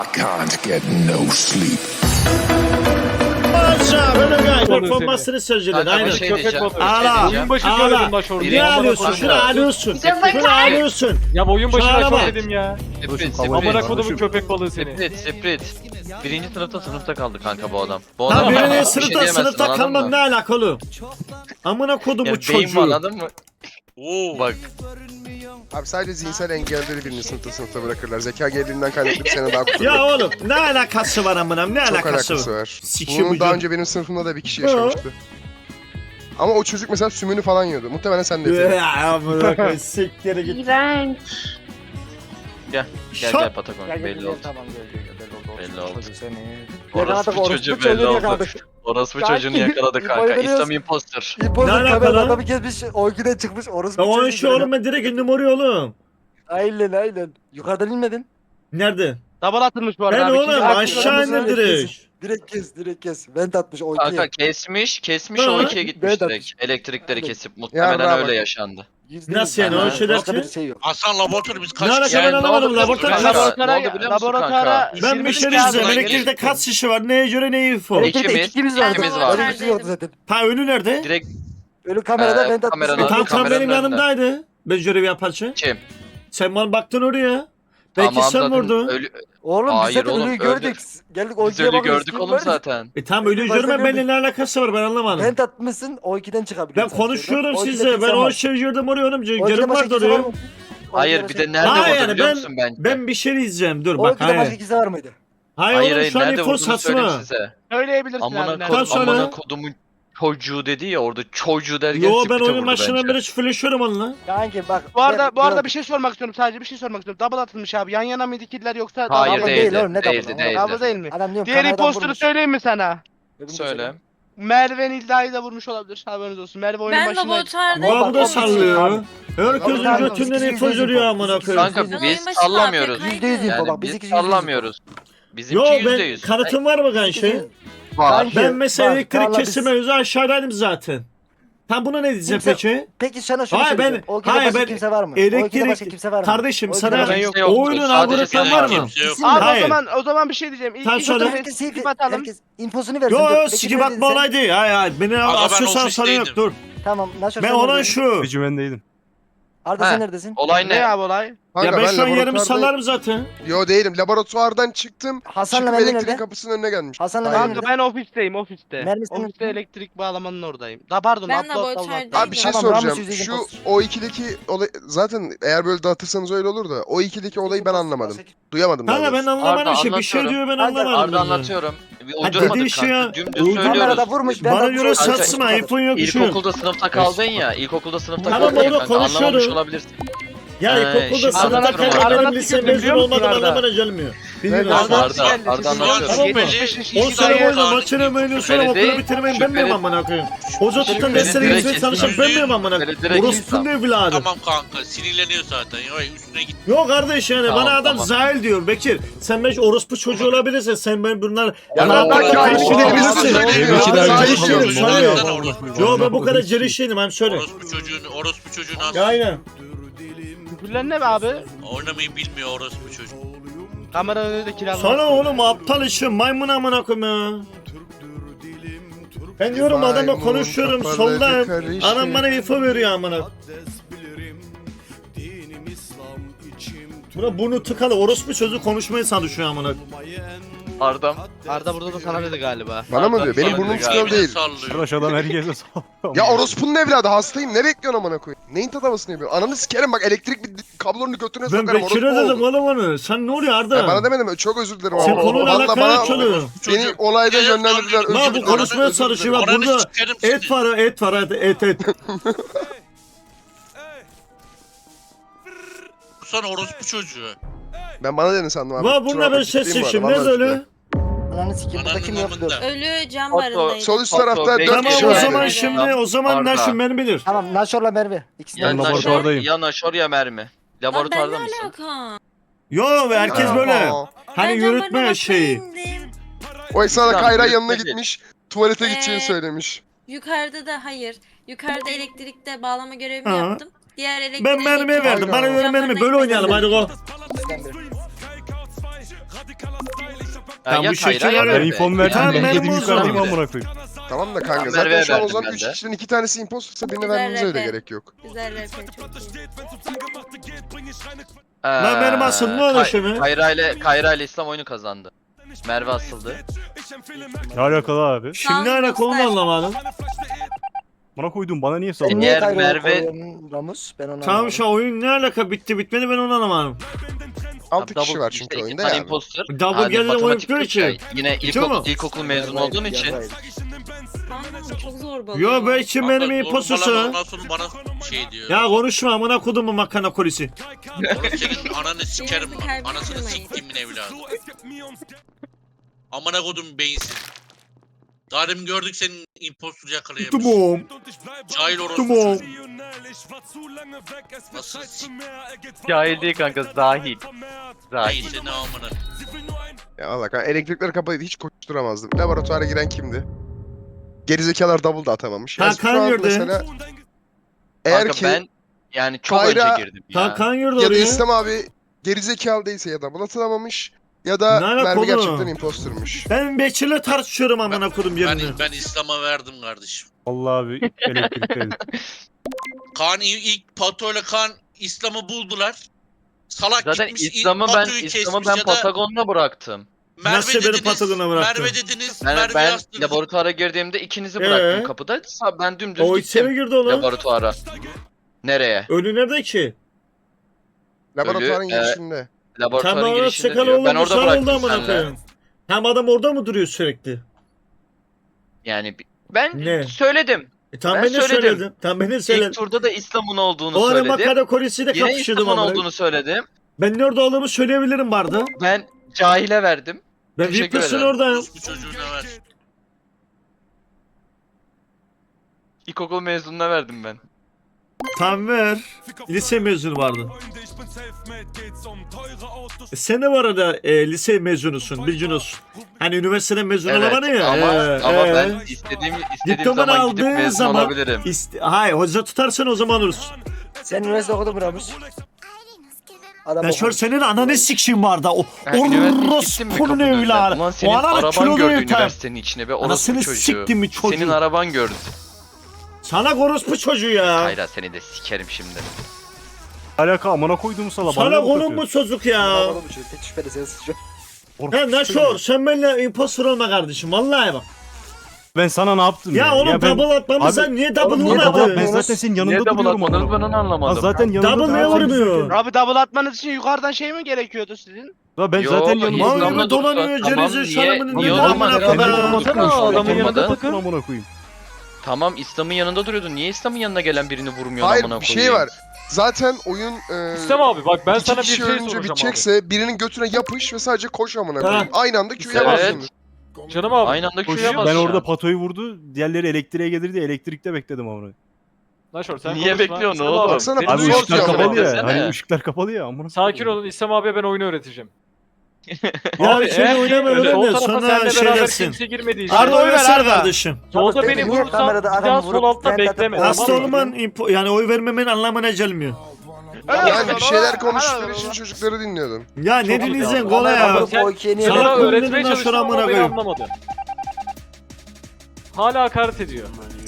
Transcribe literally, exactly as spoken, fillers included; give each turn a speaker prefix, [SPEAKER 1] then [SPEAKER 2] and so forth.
[SPEAKER 1] I can't get no sleep.
[SPEAKER 2] Aşağı böyle gayet
[SPEAKER 3] Balığı
[SPEAKER 2] performansını sergiledi.
[SPEAKER 4] Kanka,
[SPEAKER 2] Aynen.
[SPEAKER 4] bir şey
[SPEAKER 3] Köpek
[SPEAKER 4] diyeceğim.
[SPEAKER 3] balığı.
[SPEAKER 2] Ağla.
[SPEAKER 3] Oyun başı
[SPEAKER 2] Ağla.
[SPEAKER 3] söyledim lan şortu.
[SPEAKER 2] Niye alıyorsun?
[SPEAKER 4] Kanka.
[SPEAKER 2] Şunu alıyorsun. Şunu alıyorsun.
[SPEAKER 3] Ya oyun başı
[SPEAKER 2] Şuna
[SPEAKER 3] ben
[SPEAKER 2] bak.
[SPEAKER 3] söyledim ya.
[SPEAKER 4] Sprit,
[SPEAKER 3] Amına
[SPEAKER 4] Sprit.
[SPEAKER 3] kodumun köpek balığı seni.
[SPEAKER 4] Sprit, Sprit. Birinci sınıfta sınıfta kaldı kanka bu adam. Bu
[SPEAKER 2] Lan
[SPEAKER 4] adam
[SPEAKER 2] birinin
[SPEAKER 4] bir şey
[SPEAKER 2] sınıfta
[SPEAKER 4] diyemezsin,
[SPEAKER 2] sınıfta
[SPEAKER 4] anladın
[SPEAKER 2] kalmam
[SPEAKER 4] mı?
[SPEAKER 2] ne alakalı oğlum? Amına
[SPEAKER 4] Ya
[SPEAKER 2] kodumu
[SPEAKER 4] beyin var
[SPEAKER 2] çocuğu.
[SPEAKER 4] anladın mı?
[SPEAKER 5] Oo.
[SPEAKER 4] Bak
[SPEAKER 6] Abi sadece zihinsel engelleri birini sınıfta sınıfta bırakırlar. Zeka geriliğinden kaynaklı bir sene daha kurtulur.
[SPEAKER 2] Ya oğlum ne alakası var amına ne
[SPEAKER 6] Çok
[SPEAKER 2] alakası
[SPEAKER 6] alakası
[SPEAKER 2] var?
[SPEAKER 6] var.
[SPEAKER 2] Sikim
[SPEAKER 6] Bunun daha
[SPEAKER 2] ucu.
[SPEAKER 6] önce benim sınıfımda da bir kişi
[SPEAKER 2] Ha.
[SPEAKER 6] yaşamıştı. Ama o çocuk mesela sümünü falan yiyordu. Muhtemelen sen de yapıyordun.
[SPEAKER 2] Ya amına koyayım siktir git.
[SPEAKER 7] İğrenç.
[SPEAKER 4] gel gel
[SPEAKER 2] Şak.
[SPEAKER 4] gel Patagon belli oldu.
[SPEAKER 8] Tamam geldi belli oldu.
[SPEAKER 4] Belli oldu.
[SPEAKER 8] Seni.
[SPEAKER 4] Orospu
[SPEAKER 8] Yakaladık,
[SPEAKER 4] çocuğu
[SPEAKER 8] orospu
[SPEAKER 4] belli
[SPEAKER 8] çocuğunu
[SPEAKER 4] oldu.
[SPEAKER 8] yakaladık.
[SPEAKER 4] Orospu
[SPEAKER 8] Kanki,
[SPEAKER 4] çocuğunu yakaladık kanka.
[SPEAKER 8] İbo'yu biliyorsun.
[SPEAKER 4] İslam imposter.
[SPEAKER 8] İpo'nun
[SPEAKER 2] Ne alaka
[SPEAKER 8] kamerada
[SPEAKER 2] lan?
[SPEAKER 8] adamı kesmiş. Oyuncudan çıkmış. Orospu
[SPEAKER 2] Ya onun
[SPEAKER 8] çocuğu
[SPEAKER 2] şu
[SPEAKER 8] gibi.
[SPEAKER 2] oğlum ben direkt numara oğlum.
[SPEAKER 8] Aynen aynen. Yukarıdan inmedin.
[SPEAKER 2] Nerede?
[SPEAKER 3] Double atılmış bu
[SPEAKER 2] Ben
[SPEAKER 3] arada abi.
[SPEAKER 2] oğlum
[SPEAKER 3] İkinci-
[SPEAKER 2] aşağı
[SPEAKER 8] Direkt
[SPEAKER 2] indim direkt.
[SPEAKER 8] kes. Direkt kes direkt kes. Vent atmış o
[SPEAKER 4] Kanka
[SPEAKER 8] ikiye.
[SPEAKER 4] kesmiş, kesmiş
[SPEAKER 2] Ha.
[SPEAKER 4] o ikiye gitmiş
[SPEAKER 8] Evet,
[SPEAKER 4] direkt. Elektrikleri
[SPEAKER 8] Evet.
[SPEAKER 4] kesip muhtemelen
[SPEAKER 6] bravo.
[SPEAKER 4] öyle yaşandı.
[SPEAKER 8] Yüzde
[SPEAKER 2] Nasıl
[SPEAKER 8] yüz.
[SPEAKER 2] yani,
[SPEAKER 4] o
[SPEAKER 8] Aha,
[SPEAKER 2] şeyler
[SPEAKER 8] başka bir
[SPEAKER 2] ki?
[SPEAKER 8] şey yok.
[SPEAKER 5] Aslan laboratuvarı biz
[SPEAKER 2] Ne
[SPEAKER 5] kaç
[SPEAKER 2] alaka
[SPEAKER 5] kişi?
[SPEAKER 2] ben
[SPEAKER 4] Yani ne
[SPEAKER 2] anlamadım
[SPEAKER 4] oldu
[SPEAKER 2] laboratuvar.
[SPEAKER 4] biliyor musun?
[SPEAKER 3] Laboratuvara-
[SPEAKER 4] Ne oldu biliyor musun
[SPEAKER 3] laboratuvara-
[SPEAKER 4] kanka?
[SPEAKER 2] Ben bir şey
[SPEAKER 5] İzmir'de
[SPEAKER 2] diyeceğim.
[SPEAKER 5] geldi.
[SPEAKER 2] Elektrikte kaç kişi var? Neye göre ne info?
[SPEAKER 4] Peki.
[SPEAKER 8] Elektrikte
[SPEAKER 4] İkimiz-
[SPEAKER 8] ikimiz vardı.
[SPEAKER 4] ikimiz
[SPEAKER 8] Başka
[SPEAKER 4] var.
[SPEAKER 8] bir şey yoktu zaten.
[SPEAKER 2] Ha önü nerede?
[SPEAKER 4] Direkt
[SPEAKER 8] Ölü kamerada
[SPEAKER 4] Ee,
[SPEAKER 8] vent atmış.
[SPEAKER 4] kameranın-
[SPEAKER 2] E tam tam
[SPEAKER 4] kameranın
[SPEAKER 2] benim
[SPEAKER 4] önünde.
[SPEAKER 2] yanımdaydı. Ben görev yaparken.
[SPEAKER 4] kim?
[SPEAKER 2] Sen bana baktın oraya. Belki
[SPEAKER 4] Tamam,
[SPEAKER 2] sen
[SPEAKER 4] zaten
[SPEAKER 2] vurdun.
[SPEAKER 4] Ölü,
[SPEAKER 8] Oğlum biz
[SPEAKER 4] Hayır
[SPEAKER 8] zaten
[SPEAKER 4] oğlum,
[SPEAKER 8] ölüyü
[SPEAKER 4] öldü.
[SPEAKER 8] gördük. Geldik o
[SPEAKER 4] biz
[SPEAKER 8] ikiye
[SPEAKER 4] ölü
[SPEAKER 8] bakıyoruz.
[SPEAKER 4] gördük
[SPEAKER 8] Kim
[SPEAKER 4] oğlum
[SPEAKER 8] gördü?
[SPEAKER 4] zaten.
[SPEAKER 2] E tam ölü
[SPEAKER 8] Başka
[SPEAKER 2] görme
[SPEAKER 8] gördük.
[SPEAKER 2] benimle ne alakası var ben anlamadım.
[SPEAKER 8] Vent atmışsın o ikiden çıkabiliyor.
[SPEAKER 2] Ben konuşuyorum sizle. Ben o şey gördüm oraya oğlum.
[SPEAKER 8] O ikide
[SPEAKER 2] Görüm
[SPEAKER 8] başka
[SPEAKER 2] vardı
[SPEAKER 8] kimse var
[SPEAKER 2] oraya.
[SPEAKER 8] mı? O
[SPEAKER 4] Hayır
[SPEAKER 8] ikide
[SPEAKER 4] bir
[SPEAKER 8] başka-
[SPEAKER 4] de nerede
[SPEAKER 2] Hayır,
[SPEAKER 4] vurdu
[SPEAKER 2] yani
[SPEAKER 4] biliyor
[SPEAKER 2] ben-
[SPEAKER 4] musun bence?
[SPEAKER 2] Ben bir şey diyeceğim. Dur
[SPEAKER 8] O
[SPEAKER 2] bak.
[SPEAKER 8] ikide başka
[SPEAKER 2] Hayır.
[SPEAKER 8] kimse var mıydı?
[SPEAKER 2] Hayır
[SPEAKER 4] Hayır
[SPEAKER 2] oğlum
[SPEAKER 4] hayır
[SPEAKER 2] şu an
[SPEAKER 4] nerede
[SPEAKER 2] info
[SPEAKER 4] vurduğunu söyleyeyim
[SPEAKER 2] saçma.
[SPEAKER 4] size.
[SPEAKER 3] Söyleyebilirsin
[SPEAKER 4] Amına
[SPEAKER 3] abi.
[SPEAKER 2] Kaç
[SPEAKER 4] kodum,
[SPEAKER 2] sonra?
[SPEAKER 4] amına kodumun çocuğu dedi ya orada çocuğu derken
[SPEAKER 2] Yo ben
[SPEAKER 4] Sprit'e
[SPEAKER 2] oyunun
[SPEAKER 4] vurdu
[SPEAKER 2] başından
[SPEAKER 4] bence.
[SPEAKER 2] beri flaşıyorum onunla.
[SPEAKER 8] Kanki bak.
[SPEAKER 3] Bu arada
[SPEAKER 8] ben-
[SPEAKER 3] bu arada
[SPEAKER 8] gördüm.
[SPEAKER 3] bir şey sormak istiyorum sadece bir şey sormak istiyorum. Double atılmış abi. Yan yana mıydı killer yoksa
[SPEAKER 4] Hayır
[SPEAKER 8] Double
[SPEAKER 4] değildi.
[SPEAKER 8] değil oğlum, ne double?
[SPEAKER 4] değildi
[SPEAKER 8] Double
[SPEAKER 4] değildi.
[SPEAKER 3] Double değil mi?
[SPEAKER 8] Adam diyorum
[SPEAKER 3] Diğer
[SPEAKER 8] kameradan
[SPEAKER 3] imposter'ı
[SPEAKER 8] vurmuş.
[SPEAKER 3] söyleyeyim mi sana?
[SPEAKER 8] Dedim de
[SPEAKER 4] Söyle.
[SPEAKER 3] Merve Nilda'yı da vurmuş olabilir. Haberiniz olsun. Merve oyunun
[SPEAKER 7] Ben
[SPEAKER 3] başında.
[SPEAKER 7] laboratuvarda
[SPEAKER 8] Ama
[SPEAKER 2] Baba bu da
[SPEAKER 8] bak,
[SPEAKER 2] sallıyor. Herkesin
[SPEAKER 8] Tamam,
[SPEAKER 2] götünden
[SPEAKER 8] tamam.
[SPEAKER 2] info görüyor amına koyayım.
[SPEAKER 4] Kanka
[SPEAKER 8] Ben
[SPEAKER 4] biz
[SPEAKER 7] oyun başında
[SPEAKER 4] sallamıyoruz.
[SPEAKER 7] A F K'ydım.
[SPEAKER 8] Yüzde yüz info
[SPEAKER 4] Yani
[SPEAKER 8] bak biz
[SPEAKER 4] biz
[SPEAKER 8] ikisi yüzde yüz info.
[SPEAKER 4] sallamıyoruz. Bizimki
[SPEAKER 2] Yo
[SPEAKER 4] yüzde
[SPEAKER 2] ben
[SPEAKER 4] yüz.
[SPEAKER 2] kanıtım var mı kan şey?
[SPEAKER 4] Var.
[SPEAKER 8] Kanki,
[SPEAKER 2] Ben mesela
[SPEAKER 8] bak,
[SPEAKER 2] elektrik
[SPEAKER 8] vallahi biz-
[SPEAKER 2] kesime yüzü aşağıdaydım zaten. Tam buna ne diyeceğim
[SPEAKER 8] Kimse-
[SPEAKER 2] peki?
[SPEAKER 8] Peki sana şunu
[SPEAKER 2] Hayır, ben-
[SPEAKER 8] söyleyeceğim. O ikide
[SPEAKER 2] hayır,
[SPEAKER 8] başka
[SPEAKER 2] ben
[SPEAKER 8] kimse var mı? O ikide
[SPEAKER 2] elektrik-
[SPEAKER 8] başka kimse var mı?
[SPEAKER 2] Kardeşim,
[SPEAKER 8] O ikide
[SPEAKER 2] sana-
[SPEAKER 8] başka-
[SPEAKER 4] Ben
[SPEAKER 3] yok.
[SPEAKER 4] yok.
[SPEAKER 2] Oyunun
[SPEAKER 4] Sadece
[SPEAKER 2] algoritman
[SPEAKER 4] senin
[SPEAKER 2] var mı?
[SPEAKER 5] Kimse yok.
[SPEAKER 8] İsim
[SPEAKER 3] Abi
[SPEAKER 8] ver.
[SPEAKER 2] Hayır.
[SPEAKER 3] o zaman o zaman bir şey diyeceğim. İlk
[SPEAKER 2] Sen
[SPEAKER 3] ilk
[SPEAKER 2] söyle.
[SPEAKER 3] oturup
[SPEAKER 8] Herkes,
[SPEAKER 3] skip atalım.
[SPEAKER 8] herkes infosunu versin.
[SPEAKER 2] Yo
[SPEAKER 8] Dur,
[SPEAKER 2] yo
[SPEAKER 8] Bekir
[SPEAKER 2] sikip
[SPEAKER 8] neredin
[SPEAKER 2] atma
[SPEAKER 8] sen?
[SPEAKER 2] olay değil. Hayır hayır. Beni
[SPEAKER 5] Aga, ben
[SPEAKER 2] asıyorsan sorun yok
[SPEAKER 5] ofisteydim.
[SPEAKER 2] dur.
[SPEAKER 8] Tamam. Naşor
[SPEAKER 2] Ben
[SPEAKER 8] sen
[SPEAKER 2] ona
[SPEAKER 8] neredesin?
[SPEAKER 2] şu.
[SPEAKER 9] Güvendeydim.
[SPEAKER 8] Arda
[SPEAKER 4] Ha.
[SPEAKER 8] sen neredesin?
[SPEAKER 4] Olay
[SPEAKER 3] Ne
[SPEAKER 4] ne?
[SPEAKER 3] abi olay?
[SPEAKER 6] Kanka,
[SPEAKER 2] Ya ben şu an yerimi
[SPEAKER 6] laboratuvarda-
[SPEAKER 2] sallarım zaten.
[SPEAKER 6] Yo değilim. Laboratuvardan çıktım.
[SPEAKER 8] Hasan'la
[SPEAKER 6] Çıkıp
[SPEAKER 8] Merve
[SPEAKER 6] elektriğin
[SPEAKER 8] nerede?
[SPEAKER 6] kapısının önüne gelmiş.
[SPEAKER 8] Hasan'la
[SPEAKER 6] Hayır.
[SPEAKER 8] Merve
[SPEAKER 3] Kanka
[SPEAKER 8] nerede?
[SPEAKER 3] ben ofisteyim ofiste.
[SPEAKER 8] Merve sen
[SPEAKER 3] Ofiste
[SPEAKER 8] neredesin?
[SPEAKER 3] elektrik bağlamanın oradayım. Da pardon
[SPEAKER 7] Ben
[SPEAKER 3] atla atla
[SPEAKER 7] laboratuvardayım.
[SPEAKER 3] atla.
[SPEAKER 6] Abi bir şey
[SPEAKER 8] Tamam, Ramus
[SPEAKER 6] soracağım.
[SPEAKER 8] yüzde yüz
[SPEAKER 6] Şu
[SPEAKER 8] imposter.
[SPEAKER 6] o ikideki olay zaten eğer böyle dağıtırsanız öyle olur da o ikideki olayı ben anlamadım. Duyamadım daha
[SPEAKER 2] Kanka ben
[SPEAKER 6] doğrusu.
[SPEAKER 2] anlamadım
[SPEAKER 4] Arda,
[SPEAKER 2] bir şey. Bir şey
[SPEAKER 4] anlatıyorum.
[SPEAKER 2] diyor ben
[SPEAKER 8] Arda,
[SPEAKER 2] anlamadım.
[SPEAKER 4] Arda
[SPEAKER 2] ben.
[SPEAKER 4] anlatıyorum. Bir
[SPEAKER 2] Ha,
[SPEAKER 4] uydurmadık
[SPEAKER 2] dediği şey ya,
[SPEAKER 4] kanka. Dümdüz
[SPEAKER 2] uydurma-
[SPEAKER 4] söylüyoruz.
[SPEAKER 8] Kamerada vurmuş. Ben
[SPEAKER 2] Bana
[SPEAKER 8] de
[SPEAKER 2] göre
[SPEAKER 8] bu-
[SPEAKER 4] Kanka,
[SPEAKER 2] saçma. iPhone yok bir şey yok.
[SPEAKER 4] İlkokulda sınıfta kaldın ya. İlkokulda sınıfta
[SPEAKER 2] Tamam,
[SPEAKER 4] kaldın ya
[SPEAKER 2] orada
[SPEAKER 4] kanka. Anlamamış
[SPEAKER 2] konuşuyorum.
[SPEAKER 4] olabilirsin.
[SPEAKER 2] Ya
[SPEAKER 4] Ee,
[SPEAKER 2] ilkokulda
[SPEAKER 4] şimdi
[SPEAKER 2] sınıfta
[SPEAKER 4] anlatıyorum
[SPEAKER 2] kalma
[SPEAKER 3] Arda.
[SPEAKER 2] benim lise
[SPEAKER 3] Arda
[SPEAKER 2] mezun
[SPEAKER 3] biliyor musun
[SPEAKER 2] olmadım
[SPEAKER 3] Arda?
[SPEAKER 2] anlamına gelmiyor. Bilmiyorum.
[SPEAKER 6] Evet,
[SPEAKER 4] Arda,
[SPEAKER 3] Arda
[SPEAKER 4] Arda,
[SPEAKER 3] geldi.
[SPEAKER 4] Arda
[SPEAKER 3] Sizin
[SPEAKER 4] anlatıyorum.
[SPEAKER 2] Tamam mı?
[SPEAKER 3] Belli.
[SPEAKER 2] on sene boyunca
[SPEAKER 5] Şüpheli.
[SPEAKER 2] maçını oynuyor sonra
[SPEAKER 4] Şüpheli
[SPEAKER 2] okulu
[SPEAKER 4] değil.
[SPEAKER 2] bitirmeyin ben
[SPEAKER 4] Şüpheli.
[SPEAKER 2] miyim amına koyayım? Hoca tutan
[SPEAKER 4] Şüpheli
[SPEAKER 2] dersleri
[SPEAKER 4] direkt
[SPEAKER 2] geçmeye
[SPEAKER 4] kesin.
[SPEAKER 2] çalışan ben miyim amına
[SPEAKER 4] Şüpheli
[SPEAKER 2] koyayım?
[SPEAKER 4] direkt
[SPEAKER 2] Orospu'nun
[SPEAKER 4] kesin.
[SPEAKER 2] evladı.
[SPEAKER 5] Tamam kanka sinirleniyor zaten. Vay üstüne git.
[SPEAKER 2] Yok kardeş yani
[SPEAKER 4] Tamam,
[SPEAKER 2] bana adam
[SPEAKER 4] tamam.
[SPEAKER 2] zahil diyor Bekir. Sen belki orospu çocuğu olabilirsin. Sen ben bunlar
[SPEAKER 4] Ya
[SPEAKER 2] bana
[SPEAKER 4] lan
[SPEAKER 2] bak
[SPEAKER 4] bak ya,
[SPEAKER 2] karşılayabilirsin.
[SPEAKER 6] orospu çocuğu.
[SPEAKER 2] Yo
[SPEAKER 6] İki
[SPEAKER 2] ben
[SPEAKER 6] tane
[SPEAKER 2] ceriş
[SPEAKER 6] çocuk
[SPEAKER 2] değilim
[SPEAKER 6] var.
[SPEAKER 2] söyle.
[SPEAKER 5] Orospu çocuğu.
[SPEAKER 2] Yo ben bu kadar ceriş değilim hem söyle.
[SPEAKER 5] Orospu çocuğun, orospu çocuğun az
[SPEAKER 2] Ya aynen.
[SPEAKER 3] Küfürler ne be abi?
[SPEAKER 5] oynamayı bilmiyor orospu çocuğu.
[SPEAKER 3] Kamera önünde de kiralı.
[SPEAKER 2] Sana oğlum aptal işi maymun amına koyayım ya. Ben diyorum adamla
[SPEAKER 6] Maymun
[SPEAKER 2] konuşuyorum
[SPEAKER 6] kafaları
[SPEAKER 2] soldayım.
[SPEAKER 6] karışık.
[SPEAKER 2] Adam bana info veriyor amına. Buna burnu tıkalı orospu çocuğu konuşmaya çalışıyor amına.
[SPEAKER 4] Ardam.
[SPEAKER 3] Arda burada da sana dedi galiba.
[SPEAKER 6] Bana mı diyor? Benim
[SPEAKER 4] Bana
[SPEAKER 6] burnum
[SPEAKER 4] diyor
[SPEAKER 6] tıkalı
[SPEAKER 5] Birbirine
[SPEAKER 6] değil.
[SPEAKER 5] sallıyor.
[SPEAKER 9] Arkadaş adam herkese sağ.
[SPEAKER 6] Ya orospunun evladı hastayım. Ne bekliyorsun amına koyayım? Neyin tadavasını yapıyorsun? Ananı sikerim bak elektrik bir kablonun götüne
[SPEAKER 2] Ben
[SPEAKER 6] sokarım.
[SPEAKER 2] Bekir'e
[SPEAKER 6] orospu
[SPEAKER 2] dedim
[SPEAKER 6] oldu.
[SPEAKER 2] oğlum onu. Sen ne oluyor Arda?
[SPEAKER 6] Ya bana demedim. Çok özür dilerim.
[SPEAKER 2] Sen
[SPEAKER 6] ama.
[SPEAKER 2] konuyla
[SPEAKER 6] Vallahi
[SPEAKER 2] alakalı
[SPEAKER 6] bana-
[SPEAKER 2] çalıyor.
[SPEAKER 6] Beni olayda
[SPEAKER 5] Çocuğu-
[SPEAKER 6] yönlendirdiler.
[SPEAKER 5] Çocuğu-
[SPEAKER 2] Ma
[SPEAKER 6] Özür
[SPEAKER 2] bu
[SPEAKER 6] dilerim.
[SPEAKER 2] konuşmaya
[SPEAKER 6] Özür dilerim.
[SPEAKER 2] çalışıyor bak
[SPEAKER 5] Oranı
[SPEAKER 2] burada
[SPEAKER 5] sikerim
[SPEAKER 2] et
[SPEAKER 5] seni.
[SPEAKER 2] var et var hadi et et.
[SPEAKER 5] Bu sana orospu çocuğu.
[SPEAKER 6] Ben bana dedin sandım abi.
[SPEAKER 2] Ma bununla ben ses seçim nerede öyle?
[SPEAKER 8] Ananı sikeyim burada kim
[SPEAKER 5] Ananın
[SPEAKER 8] yok dur.
[SPEAKER 5] amında.
[SPEAKER 7] Ölü cam
[SPEAKER 4] Foto-
[SPEAKER 7] barındaydı.
[SPEAKER 6] Sol üst
[SPEAKER 4] Foto,
[SPEAKER 6] tarafta
[SPEAKER 4] Bekir.
[SPEAKER 6] dört
[SPEAKER 2] Tamam
[SPEAKER 6] kişi
[SPEAKER 2] o
[SPEAKER 6] vardı.
[SPEAKER 2] zaman şimdi o zaman
[SPEAKER 4] Arda.
[SPEAKER 2] Naşim beni bilir.
[SPEAKER 8] Tamam Naşor'la Merve. İkisi
[SPEAKER 4] Ya
[SPEAKER 8] de.
[SPEAKER 9] Ben
[SPEAKER 4] naşor,
[SPEAKER 9] laboratuvardayım.
[SPEAKER 4] ya naşor ya mermi.
[SPEAKER 7] Lan ben
[SPEAKER 4] Laboratuvarda
[SPEAKER 7] ne
[SPEAKER 4] mısın?
[SPEAKER 7] alaka?
[SPEAKER 2] Yo herkes
[SPEAKER 6] Aa.
[SPEAKER 2] böyle.
[SPEAKER 6] Aa.
[SPEAKER 2] Hani
[SPEAKER 7] Ben cam
[SPEAKER 2] yürütme
[SPEAKER 7] barına
[SPEAKER 2] şeyi.
[SPEAKER 7] indim.
[SPEAKER 6] O esnada
[SPEAKER 4] Tamam,
[SPEAKER 6] Kayra
[SPEAKER 4] yürütme
[SPEAKER 6] yanına
[SPEAKER 4] değil.
[SPEAKER 6] gitmiş. Tuvalete
[SPEAKER 7] Ee,
[SPEAKER 6] gideceğini söylemiş.
[SPEAKER 7] Yukarıda da hayır. Yukarıda elektrikte bağlama görevimi
[SPEAKER 2] Ha.
[SPEAKER 7] yaptım. Diğer elektrik...
[SPEAKER 2] Ben mermiye verdim. Bana göre mermi böyle oynayalım hadi go.
[SPEAKER 4] Ya,
[SPEAKER 2] Tamam,
[SPEAKER 4] ya
[SPEAKER 2] bu şekil
[SPEAKER 4] Kayra ya
[SPEAKER 2] öyle.
[SPEAKER 9] Ben
[SPEAKER 4] Merve.
[SPEAKER 9] infom
[SPEAKER 2] Ya,
[SPEAKER 9] verdim.
[SPEAKER 2] tamam,
[SPEAKER 9] Ben
[SPEAKER 2] benim
[SPEAKER 9] dedim
[SPEAKER 2] olsun.
[SPEAKER 9] yukarıdayım amına koyayım.
[SPEAKER 6] Tamam da kanka
[SPEAKER 4] Ya,
[SPEAKER 6] zaten
[SPEAKER 4] Merve'ye
[SPEAKER 6] şu an o
[SPEAKER 4] verdim
[SPEAKER 6] zaman
[SPEAKER 4] ben
[SPEAKER 6] üç
[SPEAKER 4] de.
[SPEAKER 6] kişiden iki tanesi impostersa birini
[SPEAKER 7] Güzel
[SPEAKER 6] vermemize bile
[SPEAKER 7] rap.
[SPEAKER 6] gerek yok.
[SPEAKER 7] Güzel rap çok iyi.
[SPEAKER 4] Ee,
[SPEAKER 2] Lan benim asıl ne oldu
[SPEAKER 4] Kay-
[SPEAKER 2] şimdi?
[SPEAKER 4] Kayra ile Kayra ile İslam oyunu kazandı. Merve asıldı.
[SPEAKER 9] Ne alakalı abi?
[SPEAKER 2] Şimdi ne alaka onu anlamadım.
[SPEAKER 9] Bana koydum bana niye
[SPEAKER 8] Sen
[SPEAKER 9] saldın?
[SPEAKER 8] niye
[SPEAKER 4] Eğer
[SPEAKER 8] Kayra'yı
[SPEAKER 4] Merve-
[SPEAKER 8] koruyorsun Ramus? Ben onu
[SPEAKER 2] Tamam
[SPEAKER 8] anlamadım.
[SPEAKER 2] şu oyun ne alaka bitti bitmedi ben onu anlamadım.
[SPEAKER 6] altı
[SPEAKER 4] Double-
[SPEAKER 6] kişi var
[SPEAKER 4] işte
[SPEAKER 6] çünkü
[SPEAKER 4] iki
[SPEAKER 6] oyunda
[SPEAKER 4] tane
[SPEAKER 6] yani.
[SPEAKER 4] imposter.
[SPEAKER 2] Double
[SPEAKER 4] Abi
[SPEAKER 2] geldi oyun
[SPEAKER 4] matematik
[SPEAKER 2] yapıyor
[SPEAKER 4] bir şey.
[SPEAKER 2] ki.
[SPEAKER 4] Yine
[SPEAKER 2] Bitiyor mu?
[SPEAKER 4] ilkokul, ilkokul mezunu
[SPEAKER 8] Yarraydı,
[SPEAKER 4] olduğun için.
[SPEAKER 8] yarraydı.
[SPEAKER 7] Kanka çok zor balıyor.
[SPEAKER 2] Yo be için
[SPEAKER 5] Kanka,
[SPEAKER 2] benim
[SPEAKER 5] yorum
[SPEAKER 2] impostersa.
[SPEAKER 5] bana- Ondan sonra bana şey diyor.
[SPEAKER 2] Ya konuşma amına kodumu makana kolisi.
[SPEAKER 5] Oğlum senin ananı sikerim
[SPEAKER 7] Birbirinizi
[SPEAKER 5] lan. Anasını
[SPEAKER 7] kaybettirmeyin.
[SPEAKER 5] siktimin evladı. Amına kodum beyinsiz. Daha demin gördük senin impostor yakalayamış.
[SPEAKER 2] Tamam.
[SPEAKER 5] Cahil orospu
[SPEAKER 2] Tamam.
[SPEAKER 5] çocuğu. Nasıl sik...
[SPEAKER 4] Cahil değil kanka, zahil. Zahil.
[SPEAKER 5] Neyse ne amına.
[SPEAKER 6] Ya Allah kanka elektrikler kapalıydı hiç koşturamazdım. Laboratuvara giren kimdi? Gerizekalar double da atamamış.
[SPEAKER 2] Ha,
[SPEAKER 6] Yani şu
[SPEAKER 2] kan
[SPEAKER 6] an
[SPEAKER 2] girdi.
[SPEAKER 6] mesela eğer
[SPEAKER 4] Kanka
[SPEAKER 6] ki
[SPEAKER 4] ben yani çok
[SPEAKER 6] Kayra-
[SPEAKER 4] önce girdim ya.
[SPEAKER 2] Hakan yurdu
[SPEAKER 6] ya da
[SPEAKER 2] oraya.
[SPEAKER 6] İslam abi gerizekalı değilse ya double atılamamış ya da
[SPEAKER 2] Ne alaka
[SPEAKER 6] Merve
[SPEAKER 2] oğlum?
[SPEAKER 6] gerçekten impostermış.
[SPEAKER 2] Ben Bekir'le tartışıyorum amına kodum yerini.
[SPEAKER 5] Ben, ben İslam'a verdim kardeşim.
[SPEAKER 9] Vallahi abi elektrikteydim.
[SPEAKER 5] Kaan ilk, ilk Pato ile Kaan İslam'ı buldular. Salak
[SPEAKER 4] Zaten
[SPEAKER 5] gitmiş ilk
[SPEAKER 4] İslam'ı ben
[SPEAKER 5] Pato'yu
[SPEAKER 4] İslam'ı
[SPEAKER 5] kesmiş
[SPEAKER 4] ben
[SPEAKER 5] ya da
[SPEAKER 4] Patagon'da bıraktım.
[SPEAKER 5] Merve
[SPEAKER 2] Nasıl beni
[SPEAKER 5] dediniz,
[SPEAKER 2] Patagon'a bıraktın?
[SPEAKER 5] Merve dediniz,
[SPEAKER 4] Ben,
[SPEAKER 5] Merve
[SPEAKER 4] ben
[SPEAKER 5] yastınız.
[SPEAKER 4] laboratuvara girdiğimde ikinizi bıraktım
[SPEAKER 2] Ee?
[SPEAKER 4] kapıda. Sa- Ben dümdüz
[SPEAKER 2] O içeri
[SPEAKER 4] gittim
[SPEAKER 2] girdi oğlum.
[SPEAKER 4] laboratuvara. Nereye?
[SPEAKER 2] Ölü nerede ki?
[SPEAKER 6] Laboratuvarın
[SPEAKER 4] Ölü, e,
[SPEAKER 6] girişinde.
[SPEAKER 4] Laboratuvarın
[SPEAKER 2] Tam orada
[SPEAKER 4] girişinde
[SPEAKER 2] sakal
[SPEAKER 4] diyor. Ben
[SPEAKER 2] oğlum
[SPEAKER 4] orada
[SPEAKER 2] sağ oldu
[SPEAKER 4] bıraktım
[SPEAKER 2] amına
[SPEAKER 4] senle.
[SPEAKER 2] koyayım. Hem adam orada mı duruyor sürekli?
[SPEAKER 4] Yani bi- ben
[SPEAKER 2] Ne?
[SPEAKER 4] söyledim.
[SPEAKER 2] E tam
[SPEAKER 4] Ben
[SPEAKER 2] ben ne
[SPEAKER 4] söyledim.
[SPEAKER 2] söyledim? Tam ben ne söyledim?
[SPEAKER 4] İlk turda da İslam'ın olduğunu
[SPEAKER 2] O ara
[SPEAKER 4] söyledim.
[SPEAKER 2] makara kolisiyle
[SPEAKER 4] Yine
[SPEAKER 2] kapışırdım
[SPEAKER 4] İslam'ın
[SPEAKER 2] amına.
[SPEAKER 4] olduğunu söyledim.
[SPEAKER 2] Ben nerede olduğumu söyleyebilirim barda.
[SPEAKER 4] Ben cahile verdim.
[SPEAKER 2] Ben
[SPEAKER 4] Teşekkür
[SPEAKER 2] Vipers'ın
[SPEAKER 4] ederim.
[SPEAKER 2] oradayım.
[SPEAKER 5] Bu çocuğuna ver.
[SPEAKER 4] İlkokul mezununa verdim ben.
[SPEAKER 2] Tam ver. Lise mezunu vardı. E sen de bu arada e, lise mezunusun bilgin olsun. Hani üniversiteden mezun
[SPEAKER 4] Evet
[SPEAKER 2] olamadın ya.
[SPEAKER 4] ama,
[SPEAKER 2] e,
[SPEAKER 4] ama
[SPEAKER 2] e.
[SPEAKER 4] ben istediğim istediğim
[SPEAKER 2] Diplomanı
[SPEAKER 4] zaman gidip
[SPEAKER 2] aldığın
[SPEAKER 4] mezun
[SPEAKER 2] zaman
[SPEAKER 4] olabilirim.
[SPEAKER 2] iste- Hayır hoca tutarsan o zaman olursun.
[SPEAKER 8] Sen üniversite okudun mu Ramus? Adam
[SPEAKER 2] Ben şöyle
[SPEAKER 8] okumuş.
[SPEAKER 2] senin ananı sikşin vardı. O
[SPEAKER 4] Ha, üniversiteye gittin mi
[SPEAKER 2] orospunun
[SPEAKER 4] kapıda?
[SPEAKER 2] evladı.
[SPEAKER 4] Ulan senin
[SPEAKER 2] O ananı
[SPEAKER 4] araban
[SPEAKER 2] kilolu
[SPEAKER 4] gördü
[SPEAKER 2] yöntem.
[SPEAKER 4] üniversitenin içine be orospu
[SPEAKER 2] Anasını
[SPEAKER 4] çocuğu.
[SPEAKER 2] siktim mi çocuğu?
[SPEAKER 4] Senin araban gördü.
[SPEAKER 2] Sana orospu çocuğu ya.
[SPEAKER 4] Hayır seni de sikerim şimdi.
[SPEAKER 9] Alaka amına koydum sala.
[SPEAKER 2] Sana konum bu çocuk ya.
[SPEAKER 8] Oğlum bu çocuk, tek şüpheli sensin.
[SPEAKER 2] Ya Naşor sen benimle impostor olma kardeşim vallahi bak.
[SPEAKER 9] Ben sana ne yaptım
[SPEAKER 2] Ya oğlum
[SPEAKER 9] ben-
[SPEAKER 2] double atmamı
[SPEAKER 9] Abi-
[SPEAKER 2] sen niye double
[SPEAKER 8] Oğlum niye
[SPEAKER 9] Niye
[SPEAKER 8] double
[SPEAKER 2] vurmadın?
[SPEAKER 9] double? Ben
[SPEAKER 8] atmadın?
[SPEAKER 9] zaten senin yanında
[SPEAKER 4] Niye double
[SPEAKER 9] duruyorum
[SPEAKER 4] atmadınız
[SPEAKER 9] amına
[SPEAKER 4] ben onu
[SPEAKER 9] koyayım. Ha,
[SPEAKER 4] anlamadım.
[SPEAKER 9] zaten yanında
[SPEAKER 2] Double niye
[SPEAKER 9] duruyorum.
[SPEAKER 2] vurmuyor?
[SPEAKER 3] Abi double atmanız için yukarıdan şey mi gerekiyordu sizin?
[SPEAKER 9] Ya ben
[SPEAKER 4] Yo,
[SPEAKER 9] zaten
[SPEAKER 4] hiç
[SPEAKER 9] yanında
[SPEAKER 2] Mal
[SPEAKER 4] İslam'la
[SPEAKER 2] gibi
[SPEAKER 9] duruyorum.
[SPEAKER 4] dursa-
[SPEAKER 2] dolanıyor
[SPEAKER 4] tamam,
[SPEAKER 2] cerizi
[SPEAKER 4] niye-
[SPEAKER 2] şaramının
[SPEAKER 4] niye
[SPEAKER 2] önünde
[SPEAKER 4] o
[SPEAKER 2] amına
[SPEAKER 4] zaman-
[SPEAKER 2] koyayım.
[SPEAKER 4] Kendini
[SPEAKER 9] Kendini
[SPEAKER 4] durmasana,
[SPEAKER 9] durmasana,
[SPEAKER 4] adamın yanında
[SPEAKER 9] kendini
[SPEAKER 4] takıl.
[SPEAKER 9] durmasana amına koyayım.
[SPEAKER 4] Tamam İslam'ın yanında duruyordun. Niye İslam'ın yanına gelen birini vurmuyor
[SPEAKER 6] Hayır
[SPEAKER 4] amına
[SPEAKER 6] bir
[SPEAKER 4] koyayım?
[SPEAKER 6] şey var. Zaten oyun e,
[SPEAKER 10] İslam abi bak ben
[SPEAKER 6] iki
[SPEAKER 10] sana bir
[SPEAKER 6] kişi
[SPEAKER 10] şey
[SPEAKER 6] ölünce
[SPEAKER 10] soracağım abi.
[SPEAKER 6] bitecekse birinin götüne yapış ve sadece koş amına
[SPEAKER 2] Ha.
[SPEAKER 6] koyayım. Aynı anda Q'ya
[SPEAKER 4] Evet.
[SPEAKER 6] basıyorsun.
[SPEAKER 10] Canım abi.
[SPEAKER 4] Aynı anda Q'ya
[SPEAKER 9] Koşuyor. Ben
[SPEAKER 4] basacaksın.
[SPEAKER 9] orada Pato'yu vurdu. Diğerleri elektriğe gelirdi. Elektrikte bekledim amına.
[SPEAKER 10] Naşor sen
[SPEAKER 4] Niye
[SPEAKER 10] konuşma.
[SPEAKER 4] bekliyorsun
[SPEAKER 10] İslam
[SPEAKER 4] oğlum?
[SPEAKER 10] abi,
[SPEAKER 6] Baksana,
[SPEAKER 10] senin
[SPEAKER 9] Abi
[SPEAKER 6] Zor
[SPEAKER 9] ışıklar
[SPEAKER 6] diyor
[SPEAKER 9] kapalı ya.
[SPEAKER 4] desene.
[SPEAKER 9] Hani ışıklar kapalı ya amına.
[SPEAKER 10] Sakin olun İslam abiye ben oyunu öğreteceğim.
[SPEAKER 2] Ya
[SPEAKER 10] Abi,
[SPEAKER 2] sen
[SPEAKER 10] eğer
[SPEAKER 2] oynama
[SPEAKER 10] öyle
[SPEAKER 2] öyle
[SPEAKER 10] sol
[SPEAKER 2] de
[SPEAKER 10] tarafa
[SPEAKER 2] sonra
[SPEAKER 10] seninle
[SPEAKER 2] şey
[SPEAKER 10] beraber
[SPEAKER 2] dersin.
[SPEAKER 10] kimse girmediği için.
[SPEAKER 2] Arda
[SPEAKER 3] oy
[SPEAKER 2] oy
[SPEAKER 3] ver
[SPEAKER 2] versene
[SPEAKER 3] Arda.
[SPEAKER 2] kardeşim.
[SPEAKER 10] Solda
[SPEAKER 8] Abi,
[SPEAKER 10] beni
[SPEAKER 8] niye
[SPEAKER 10] vurursan
[SPEAKER 8] kamerada
[SPEAKER 10] bir
[SPEAKER 8] adam
[SPEAKER 10] daha sol
[SPEAKER 8] vurup
[SPEAKER 10] altta
[SPEAKER 8] ben
[SPEAKER 10] bekleme.
[SPEAKER 8] zaten-
[SPEAKER 10] Tamam
[SPEAKER 2] Hasta
[SPEAKER 10] mı?
[SPEAKER 2] olman impo- yani oy vermemenin anlamına gelmiyor.
[SPEAKER 6] Yani bir şeyler konuştukları için çocukları dinliyordum.
[SPEAKER 2] Ya ne
[SPEAKER 10] Çok
[SPEAKER 2] dinleyeceksin
[SPEAKER 10] iyi.
[SPEAKER 2] kola
[SPEAKER 8] Kamera
[SPEAKER 2] ya.
[SPEAKER 8] vurup o ikiye niye
[SPEAKER 2] Salak
[SPEAKER 10] Sana
[SPEAKER 8] bakıyorsun?
[SPEAKER 2] öğretmeni
[SPEAKER 10] öğretmeye
[SPEAKER 2] nasıl
[SPEAKER 10] çalıştım ama
[SPEAKER 2] amına
[SPEAKER 10] beni
[SPEAKER 2] koyayım?
[SPEAKER 10] anlamadı. Hala hakaret ediyor.